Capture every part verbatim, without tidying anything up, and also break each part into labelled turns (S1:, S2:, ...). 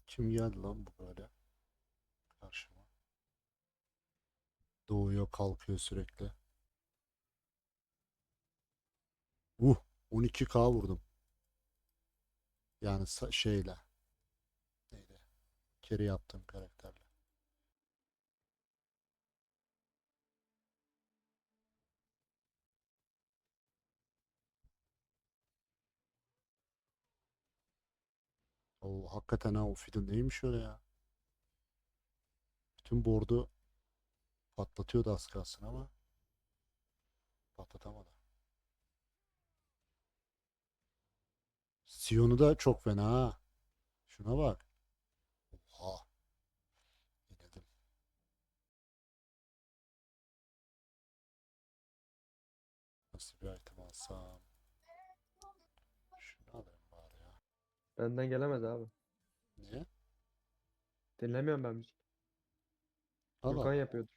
S1: Kim geldi lan bu böyle karşıma? Doğuyor kalkıyor sürekli. Uh, on iki K vurdum. Yani sa- şeyle. Neydi? Carry yaptığım karakterle. Oo, hakikaten ha o Fiddle neymiş öyle ya? Bütün board'u patlatıyordu az kalsın ama patlatamadı. Sion'u da çok fena ha. Şuna bak. Oha. İnledim. Nasıl bir item alsam? Şunu alayım bari ya.
S2: Benden gelemez abi.
S1: Niye?
S2: Dinlemiyorum ben müzik.
S1: Al
S2: Furkan
S1: Allah.
S2: yapıyordur.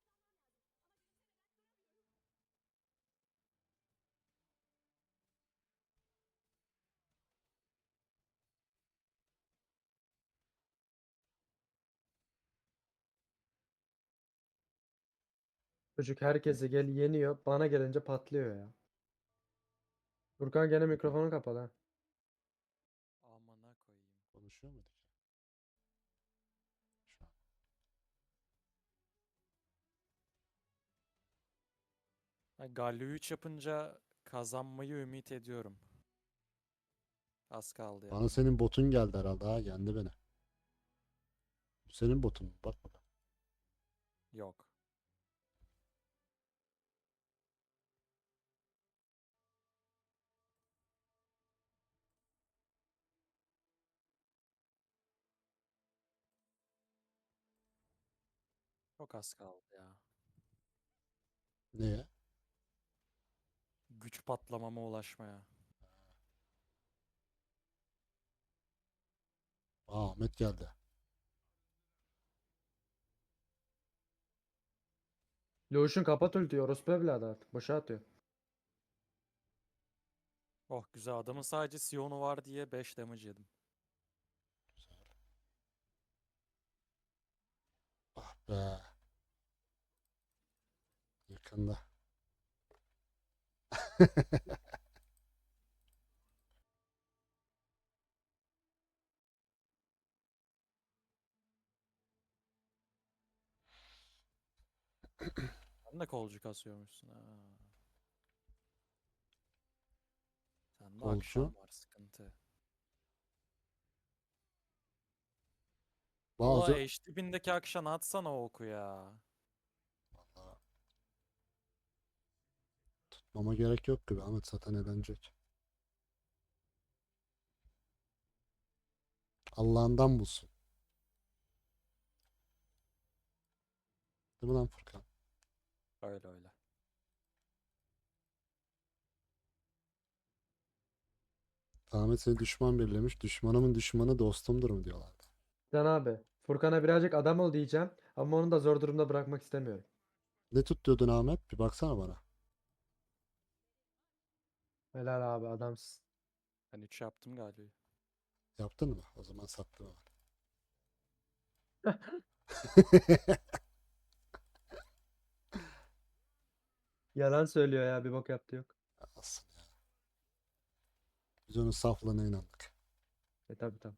S2: Çocuk herkese gel yeniyor. Bana gelince patlıyor ya. Furkan gene mikrofonu kapalı ha.
S3: Amına koyayım.
S1: Konuşuyor muyduk ya? Şu an.
S3: Ha, Galio üç yapınca kazanmayı ümit ediyorum. Az kaldı
S1: Bana
S3: yani.
S1: senin botun geldi herhalde ha. Yendi beni. Bu senin botun mu? Bak bakalım.
S3: Yok. Çok az kaldı ya.
S1: Neye?
S3: Güç patlamama ulaşmaya.
S1: Aa, Ahmet geldi.
S2: Loşun kapat ultiyi. Orospu evladı artık. Boşa atıyor.
S3: Oh güzel, adamın sadece Sion'u var diye beş damage yedim.
S1: Güzel. Ah be. Yakında.
S3: Sen de kolcu kasıyormuşsun ha. Sende
S1: Kolcu.
S3: akşam var sıkıntı. O
S1: Bazı
S3: eş dibindeki akşam atsana o oku ya.
S1: Vallahi tutmama gerek yok gibi. Ahmet zaten eğlenecek. Allah'ından bulsun. Değil mi lan Furkan?
S3: Öyle öyle.
S1: Ahmet seni düşman belirlemiş. Düşmanımın düşmanı dostumdur mu diyorlardı.
S2: Can abi. Furkan'a birazcık adam ol diyeceğim. Ama onu da zor durumda bırakmak istemiyorum.
S1: Ne tut diyordun Ahmet? Bir baksana bana.
S2: Helal abi adamsın.
S3: Ben üç yaptım galiba.
S1: Yaptın mı? O zaman sattım hemen.
S2: Yalan söylüyor ya. Bir bok yaptı yok.
S1: Alsın ya. Biz onun saflığına inandık.
S2: E tabi tabi.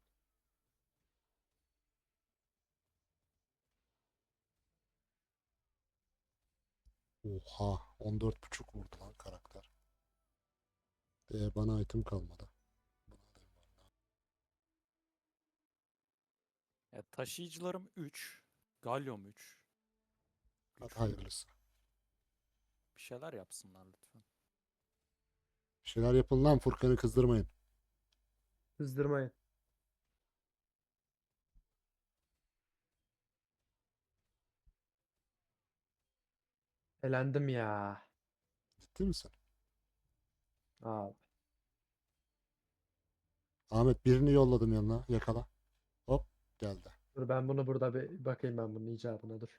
S1: Oha. on dört buçuk vurdu lan karakter. Ee, bana item kalmadı. Bunu alayım ben.
S3: E, taşıyıcılarım üç. Galyom üç.
S1: Hadi
S3: Güçlüyüm.
S1: hayırlısı.
S3: Bir şeyler yapsınlar lütfen.
S1: Bir şeyler yapın lan Furkan'ı kızdırmayın.
S2: Kızdırmayın. Elendim ya.
S1: Ciddi misin?
S2: Abi.
S1: Ahmet birini yolladım yanına. Yakala. Hop geldi.
S2: Dur ben bunu burada bir bakayım ben bunun icabına dur.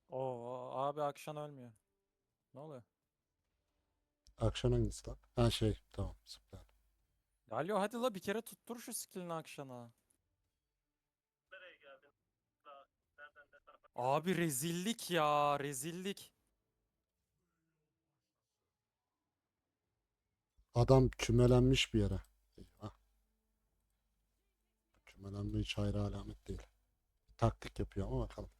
S3: Oo abi Akşan ölmüyor. Ne oluyor?
S1: Akşam hangisi lan? Ha şey tamam süper.
S3: Galio hadi la bir kere tuttur şu skillini Akşan'a. Abi rezillik ya rezillik.
S1: Adam kümelenmiş bir yere. Eyvah. Kümelenme hiç hayra alamet değil. Taktik yapıyor ama bakalım.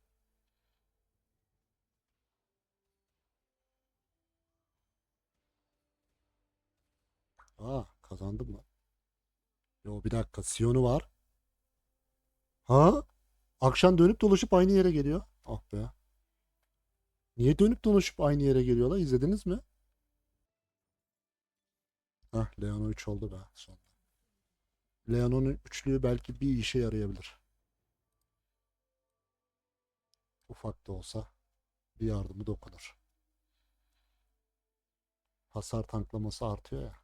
S1: Aa kazandım mı? Yo bir dakika Sion'u var. Ha? Akşam dönüp dolaşıp aynı yere geliyor. Ah be. Niye dönüp dolaşıp aynı yere geliyorlar? İzlediniz mi? Hah Leon üç oldu be sonunda. Leon'un üçlüğü belki bir işe yarayabilir. Ufak da olsa bir yardımı dokunur. Hasar tanklaması artıyor ya.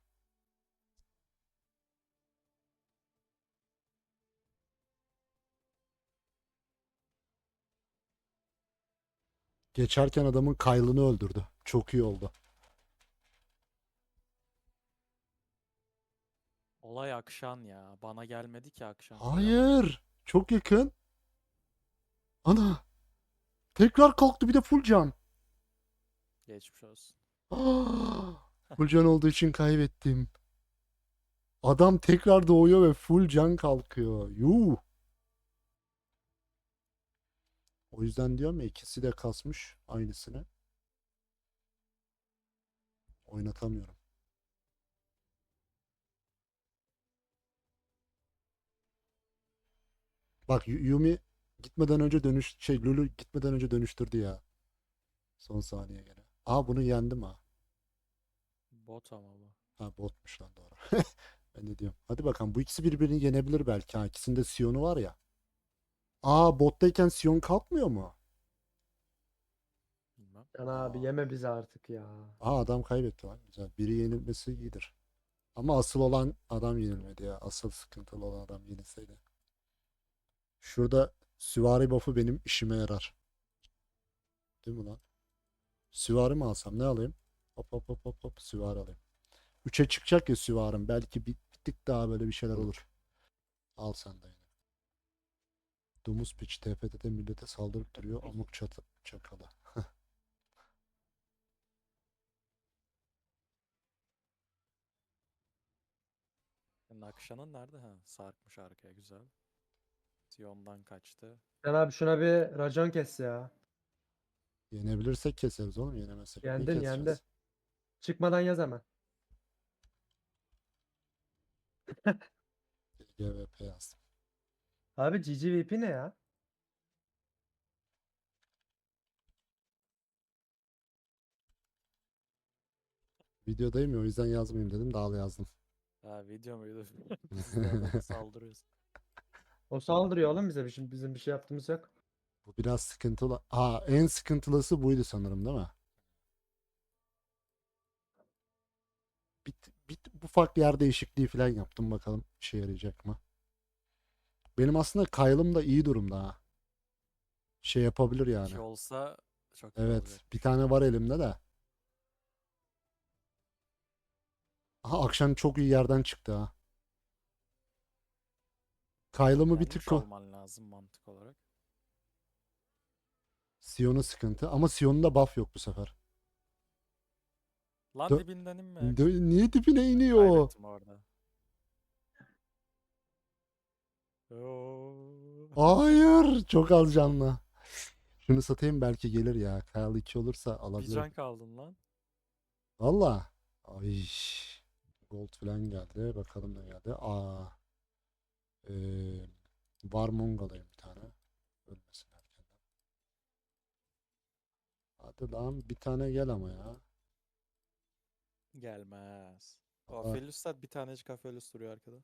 S1: Geçerken adamın kaylını öldürdü. Çok iyi oldu.
S3: Olay Akşan ya. Bana gelmedi ki Akşan kıyamam.
S1: Hayır. Çok yakın. Ana. Tekrar kalktı bir de full can.
S3: Geçmiş olsun.
S1: Ah, full can olduğu için kaybettim. Adam tekrar doğuyor ve full can kalkıyor. Yuh. O yüzden diyorum ya ikisi de kasmış aynısını. Oynatamıyorum. Bak Yu- Yumi gitmeden önce dönüş şey Lulu gitmeden önce dönüştürdü ya. Son saniye gene. Aa bunu yendim ha.
S3: Bot ama bu.
S1: Ha botmuş lan doğru. Ben ne diyorum. Hadi bakalım bu ikisi birbirini yenebilir belki. Ha ikisinde Sion'u var ya. Aa bottayken Sion kalkmıyor mu?
S3: Bilmem.
S2: Can abi
S1: Aa,
S2: yeme bizi artık ya.
S1: aa adam kaybetti lan. Güzel. Biri yenilmesi iyidir. Ama asıl olan adam yenilmedi ya. Asıl sıkıntılı olan adam yenilseydi. Şurada süvari buff'ı benim işime yarar. Değil mi lan? Süvari mi alsam? Ne alayım? Hop hop hop hop hop süvari alayım. Üçe çıkacak ya süvarım. Belki bir, bir tık daha böyle bir şeyler olur. Al sen de yine. Domuz piç T F T'de millete saldırıp duruyor. Amuk çatı çakalı.
S3: Senin Akşan'ın nerede? Ha, sarkmış arkaya güzel. Sion'dan kaçtı.
S2: Can abi şuna bir racon kes ya.
S1: Yenebilirsek keseriz oğlum. Yenemezsek niye
S2: Yendin yendi.
S1: keseceğiz?
S2: Çıkmadan yaz hemen.
S1: G V P yazdım.
S2: Abi G G V P ne ya?
S1: Videodayım ya o yüzden yazmayayım dedim. Daha da yazdım.
S3: Ha video muydu? Biz de adama saldırıyoruz.
S2: O saldırıyor oğlum bize. Bizim, bizim bir şey yaptığımız yok.
S1: Bu biraz sıkıntılı. Aa en sıkıntılısı buydu sanırım değil mi? Bir, bir ufak yer değişikliği falan yaptım. Bakalım işe yarayacak mı? Benim aslında Kyle'ım da iyi durumda ha. Şey yapabilir yani.
S3: İki olsa çok iyi
S1: Evet. Bir
S3: olacakmış.
S1: tane var elimde de. Aha akşam çok iyi yerden çıktı ha. Kyle'ımı bir tık
S3: Yenmiş
S1: ko-
S3: olman lazım mantık olarak.
S1: Sion'u sıkıntı. Ama Sion'da buff yok bu sefer.
S3: Lan
S1: Dö-
S3: dibinden inme
S1: dö-
S3: Akşan.
S1: niye dibine iniyor?
S3: Kaybettim orada. Oo.
S1: Hayır. Çok az canlı. Şunu satayım belki gelir ya. Kyle iki olursa
S3: Bir
S1: alabilirim.
S3: can kaldın lan.
S1: Valla. Ay. Gold falan geldi. Bakalım ne geldi. Aa. Ee, Warmong alayım bir tane. Ölmesin erkenden. Hadi lan bir tane gel ama ya.
S3: Gelmez. O
S1: Aa,
S3: Aphelios'ta bir tanecik Aphelios duruyor arkada.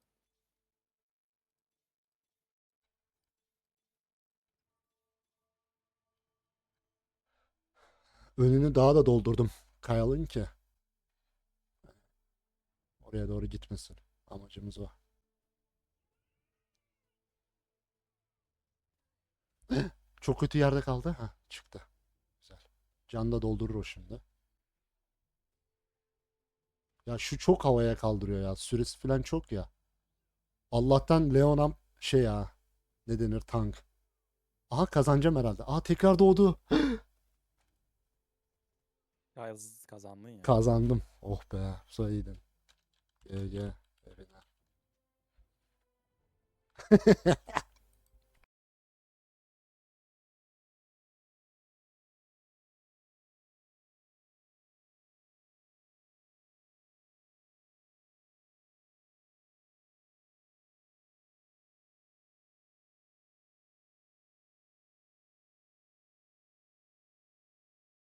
S1: önünü daha da doldurdum. Kyle'ın ki. Oraya doğru gitmesin. Amacımız o. Çok kötü yerde kaldı. Ha çıktı. Can da doldurur o şimdi. Ya şu çok havaya kaldırıyor ya. Süresi falan çok ya. Allah'tan Leonam şey ya. Ne denir, tank. Aha kazanacağım herhalde. Aha tekrar doğdu.
S3: Ya z- kazandın ya.
S1: Kazandım. Oh be. Bu iyiydin. G G. Evine.